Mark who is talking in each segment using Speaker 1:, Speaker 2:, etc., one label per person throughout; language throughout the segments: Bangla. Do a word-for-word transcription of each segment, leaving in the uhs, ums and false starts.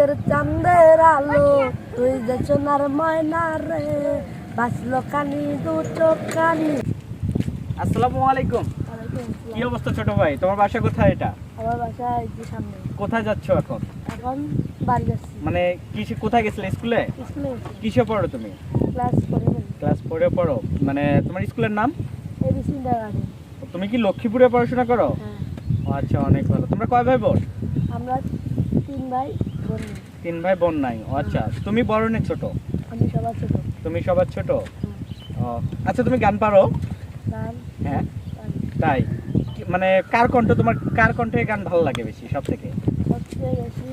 Speaker 1: রাতের চাঁদের আলো তুই যে সোনার ময়না রে বাঁচলো কানি দু চোখ কানি।
Speaker 2: আসসালামু আলাইকুম। কি অবস্থা ছোট ভাই, তোমার বাসা কোথায়? এটা
Speaker 1: আমার বাসা এই যে সামনে।
Speaker 2: কোথায় যাচ্ছ এখন?
Speaker 1: এখন বাড়ি যাচ্ছি।
Speaker 2: মানে কিসে, কোথায় গেছিলে? স্কুলে?
Speaker 1: স্কুলে
Speaker 2: কিসে পড়ো তুমি?
Speaker 1: ক্লাস করে
Speaker 2: ক্লাস ফোরে পড়ো। মানে তোমার স্কুলের নাম?
Speaker 1: এবিসি ইন্টারগার্ডেন।
Speaker 2: তুমি কি লক্ষ্মীপুরে পড়াশোনা করো?
Speaker 1: হ্যাঁ।
Speaker 2: ও আচ্ছা, অনেক ভালো। তোমরা কয় ভাই বোন?
Speaker 1: আমরা তিন ভাই বোন।
Speaker 2: তিন ভাই বোন নাই। ও আচ্ছা, তুমি বড় না ছোট?
Speaker 1: আমি সবার ছোট।
Speaker 2: তুমি সবার ছোট? ও আচ্ছা, তুমি গান পারো?
Speaker 1: গান
Speaker 2: হ্যাঁ তাই? কি- মানে কার কণ্ঠ, তোমার কার কণ্ঠে গান ভালো লাগে বেশি সব থেকে?
Speaker 1: সবচেয়ে বেশি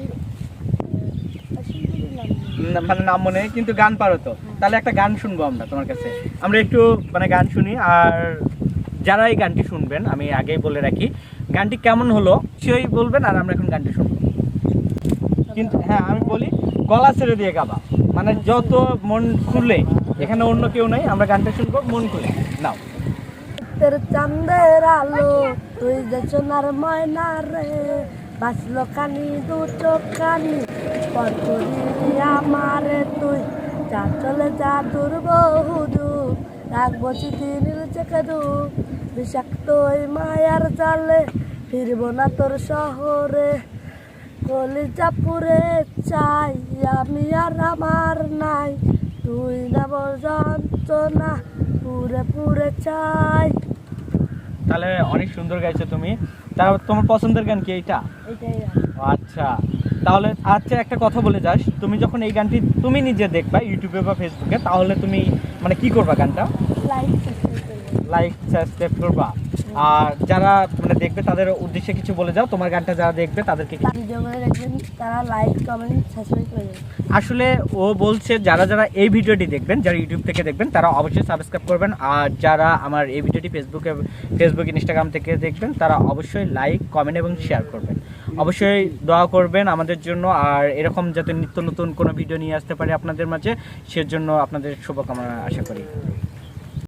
Speaker 1: শিল্পীর নাম নেই।
Speaker 2: না, মানে নাম মনে নেই, কিন্তু গান পারো তো। তাহলে একটা গান শুনবো আমরা তোমার কাছে। আমরা একটু মানে গান শুনি। আর যারা এই গানটি শুনবেন, আমি আগেই বলে রাখি, গানটি কেমন হলো সেই বলবেন, আর আমরা এখন গানটি শুনবো। কিন্তু হ্যাঁ, আমি বলি গলা ছেড়ে দিয়ে গাবা, মানে যত মন খুলে, এখানে অন্য কেউ নাই, আমরা গানটা শুনবো মন খুলে। নাও।
Speaker 1: রাতের চাঁদের আলো তুই যে সোনার ময়না রে বাঁচলো কানি দু চোখ কানি পর করিলি আমারে তুই যা চলে যা দূর বহু দূর রাখবো চিঠি নীল চেকে দু বিষাক্ত ওই মায়ার জালে ফিরবো না তোর শহরে কলিজা পুরে চাই আমি আর আমার নাই তুই না বল যন্ত্রণা পুরে পুরে চাই।
Speaker 2: তাহলে অনেক সুন্দর গাইছো তুমি। তা তোমার পছন্দের গান কি এইটা?
Speaker 1: এটাই
Speaker 2: ও আচ্ছা, তাহলে আচ্ছা একটা কথা বলে যাস, তুমি যখন এই গানটি তুমি নিজে দেখবা ইউটিউবে বা ফেসবুকে, তাহলে তুমি মানে কি করবা? গানটা
Speaker 1: লাইক সাবস্ক্রাইব করবেন।
Speaker 2: লাইক সাবস্ক্রাইব করবা। আর যারা মানে দেখবে তাদের উদ্দেশ্যে কিছু বলে যাও, তোমার গানটা যারা দেখবে তাদেরকে কি-
Speaker 1: ভিডিওগুলো দেখবেন তারা লাইক কমেন্ট সাবস্ক্রাইব করবেন।
Speaker 2: আসলে ও বলছে যারা যারা এই ভিডিওটি দেখবেন, যারা ইউটিউব থেকে দেখবেন, তারা অবশ্যই সাবস্ক্রাইব করবেন। আর যারা আমার এই ভিডিওটি ফেসবুকে ফেসবুক ইনস্টাগ্রাম থেকে দেখবেন, তারা অবশ্যই লাইক কমেন্ট এবং শেয়ার করবেন। অবশ্যই দোয়া করবেন আমাদের জন্য, আর এরকম যাতে নিত্য নতুন কোনো ভিডিও নিয়ে আসতে পারে আপনাদের মাঝে, সেজন্য আপনাদের শুভকামনা আশা করি।